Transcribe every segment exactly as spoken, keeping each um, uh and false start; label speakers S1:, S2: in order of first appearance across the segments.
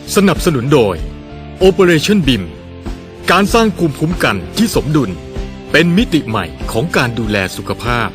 S1: สนับสนุนโดย Operation บี ไอ เอ็ม การสร้างภูมิคุ้มกันที่สมดุลเป็นมิติใหม่ของการดูแลสุขภาพ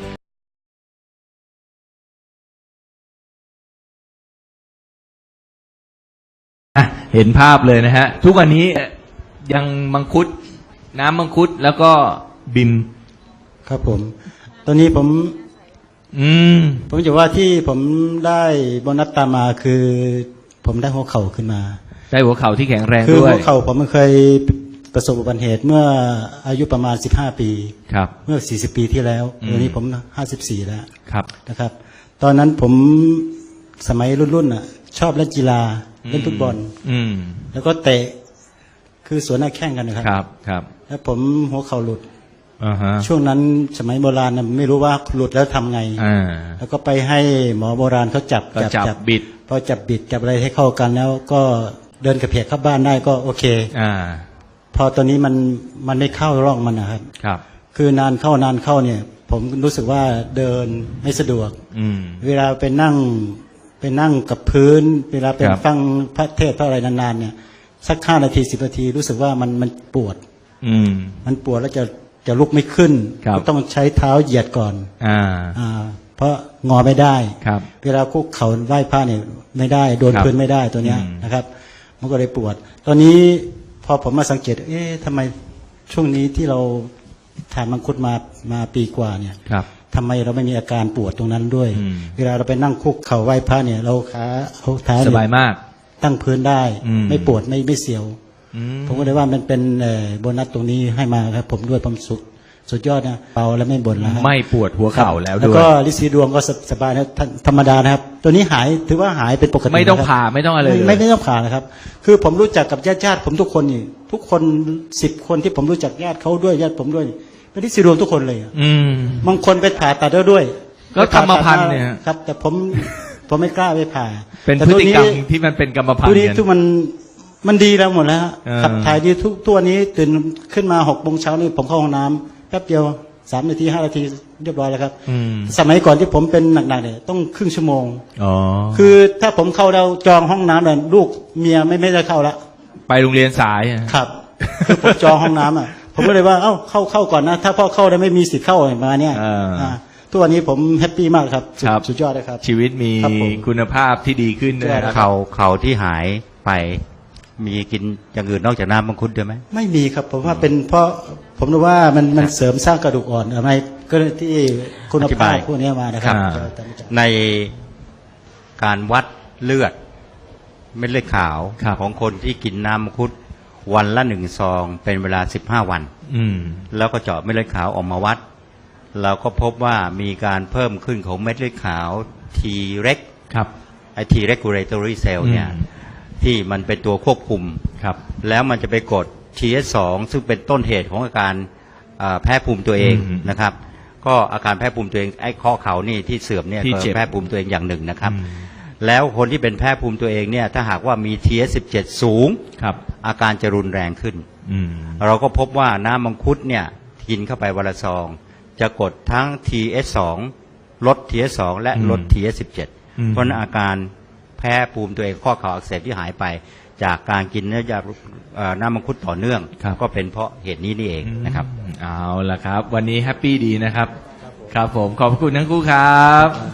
S2: เห็นภาพเลยนะฮะทุกวันนี้ยังมังคุดน้ำมังคุดแล้วก็บิม
S3: ครับผมตอนนี้ผม
S2: อืม
S3: ผมจะว่าที่ผมได้โบนัสตามมาคือผมได้หัวเข่าขึ้นมา
S2: ได้หัวเข่าที่แข็งแรงด้วย
S3: คือหัวเข่าผมมันเคยประสบอุบัติเหตุเมื่ออายุประมาณสิบห้าปี
S2: ครับ
S3: เมื่อสี่สิบปีที่แล้วตอนนี้ผมห้าสิบสี่แล้ว
S2: ครับ
S3: นะครับตอนนั้นผมสมัยรุ่นๆน่ะชอบเล่นกีฬาเล่นฟุตบอลแล้วก็เตะคือสวนหน้าแข้งกันนะครับ
S2: ครับครับ
S3: แล้วผมหัวเข่าหลุด
S2: uh-huh.
S3: ช่วงนั้นสมัยโบราณนะไม่รู้ว่าหลุดแล้วทำไงแล้วก็ไปให้หมอโบราณเขาจับ
S2: จับจับบิด
S3: พอจับบิดจับอะไรให้เข้ากันแล้วก็เดินกระเพกเข้าบ้านได้ก็โอเค
S2: อ่า
S3: พอตอนนี้มันมันไม่เข้าร่องมันนะครับ
S2: ครับ
S3: คือนานเข้านานเข้าเนี่ยผมรู้สึกว่าเดินไม่สะดวกเวลาไปนั่งไปนั่งกับพื้นเวลาไปฟังพระเทศน์พระอะไรนานๆเนี่ยสักห้านาทีสิบนาทีรู้สึกว่ามันมันปวดมันปวดแล้วจะจะลุกไม่ขึ้นก็ต้องใช้เท้าเหยียดก่อน
S2: อ่า
S3: อ่าเพราะงอไม่ได้
S2: ครับ
S3: เวลาคุกเข่าไหว้พระเนี่ยไม่ได้โดนพื้นไม่ได้ตัวเนี้ยนะครับมันก็เลยปวดตอนนี้พอผมมาสังเกตเอ๊ะทำไมช่วงนี้ที่เราทานมังคุดมามาปีกว่าเนี่ยทำไมเราไม่มีอาการปวดตรงนั้นด้วยเวลาเราไปนั่งคุกเข่าไหว้พระเนี่ยเราขาเอาเท้า
S2: สบายมาก
S3: ตั้งพื้นได้ไม่ปวดไม่ไม่เสียวผมก็เลยว่ามันเป็นโบนัสตรงนี้ให้มาครับผมด้วยผมสุดสุดยอดนะเบาแล้วไม่บ่นแล้ว
S2: ไม่ปวดหัวเข่าแล้วด้วย
S3: แล้วก็ลิซีดวงก็สบายนะธรรมดานะครับตัวนี้หายถือว่าหายเป็นปกติ
S2: ไม่ต้องผ่าไม่ต้องอะไรเลย
S3: ไม่ไม่ต้องผ่านะครับคือผมรู้จักกับญาติญาติผมทุกคนนี่ทุกคนสิบคนที่ผมรู้จักญาติเขาด้วยญาติผมด้วยเป็นลิซีดวงทุกคนเลย
S2: อืม
S3: บางคนไปผ่าตัดแล้วด้วย
S2: ก็กรรมพันธุ์เนี่ย
S3: ครับแต่ผมผมไม่กล้าไปผ่า
S2: เป็นพฤติกรรมที่มันเป็นกรรมพันธุ์
S3: ตัวนี้ทุกมันมันดีแล้วหมดแล้วขับถ่ายดีทุกตัวนี้ตื่นขึ้นมาหกโมงเช้านี่ผมเข้าห้องน้ำแป๊บเดียวสามนาทีห้านาทีเรียบร้อยแล้วครับสมัยก่อนที่ผมเป็นหนักๆเนี่ยต้องครึ่งชั่วโมงคือถ้าผมเข้าแล้วจองห้องน้ำเนี่ยลูกเมียไม่ไม่ได้เข้าละ
S2: ไปโรงเรียนสาย
S3: ครับคือผมจองห้องน้ำอ่ะผมก็เลยว่าเอ้าเข้าเข้าก่อนนะถ้าพ่อเข้าได้ไม่มีสิทธิ์เข้ามาเนี่ยทุกวันนี้ผมแฮปปี้มากครับสุดยอดเลยครับ
S2: ชีวิตมีคุณภาพที่ดีขึ้น
S4: นะครับเขาเขาที่หายไปมีกินอย่างอื่นนอกจากน้ำมังคุดด้วยไหม
S3: ไม่มีครับผมว่าเป็นเพราะผมรู้ว่ามันมันเสริมสร้างกระดูกอ่อนอะไรก็ที่คุณภาพพวกนี้มานะครับ
S4: ในการวัดเลือดเม็ดเลือดขาวของคนที่กินน้ำมังคุดวันละหนึ่งซองเป็นเวลาสิบห้าวันแล้วก็เจาะเม็ดเลือดขาวออกมาวัดเราก็พบว่ามีการเพิ่มขึ้นของเม็ดเลือดขาว T เร็กไอ T regulatory cell เนี่ยที่มันเป็นตัวควบคุมแล้วมันจะไปกด ที เอส สอง ซึ่งเป็นต้นเหตุของอาการแพ้ภูมิตัวเองนะครับก็อาการแพ้ภูมิตัวเองไอ้ข้อเข่านี่ที่เสื่อมเนี่ยก็แพ้ภูมิตัวเองอย่างหนึ่งนะครับแล้วคนที่เป็นแพ้ภูมิตัวเองเนี่ยถ้าหากว่ามี ที เอส สิบเจ็ด สูงอาการจะรุนแรงขึ้นเราก็พบว่าน้ำมังคุดเนี่ยกินเข้าไปวันละซองจะกดทั้ง ที เอส สอง ลด ที เอส สอง และลด ที เอส สิบเจ็ด เพราะอาการแพ้ภูมิตัวเองข้อเข่าอักเสบที่หายไปจากการกินเนื้อยาน้ำมังคุดต่อเนื่องก็เป็นเพราะเหตุนี้นี่เองนะครับ
S2: เอาล่ะครับวันนี้แฮปปี้ดีนะครับครับผมขอบคุณทั้งคู่ครับ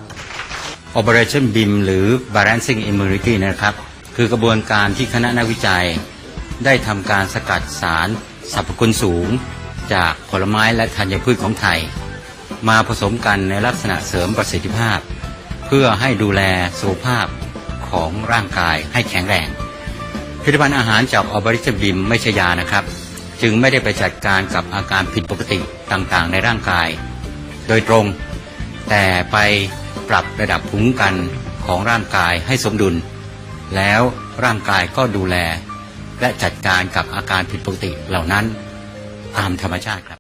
S4: Operation บี ไอ เอ็ม หรือ Balancing Immunity นะครับคือกระบวนการที่คณะนักวิจัยได้ทำการสกัดสารสรรพคุณสูงจากผลไม้และธัญพืชของไทยมาผสมกันในลักษณะเสริมประสิทธิภาพเพื่อให้ดูแลสุขภาพของร่างกายให้แข็งแรงผลิตภัณฑ์อาหารจาก Operation บี ไอ เอ็ม ไม่ใช่ยานะครับจึงไม่ได้ไปจัดการกับอาการผิดปกติต่างๆในร่างกายโดยตรงแต่ไปปรับระดับภูมิคุ้มกันของร่างกายให้สมดุลแล้วร่างกายก็ดูแลและจัดการกับอาการผิดปกติเหล่านั้นตามธรรมชาติครับ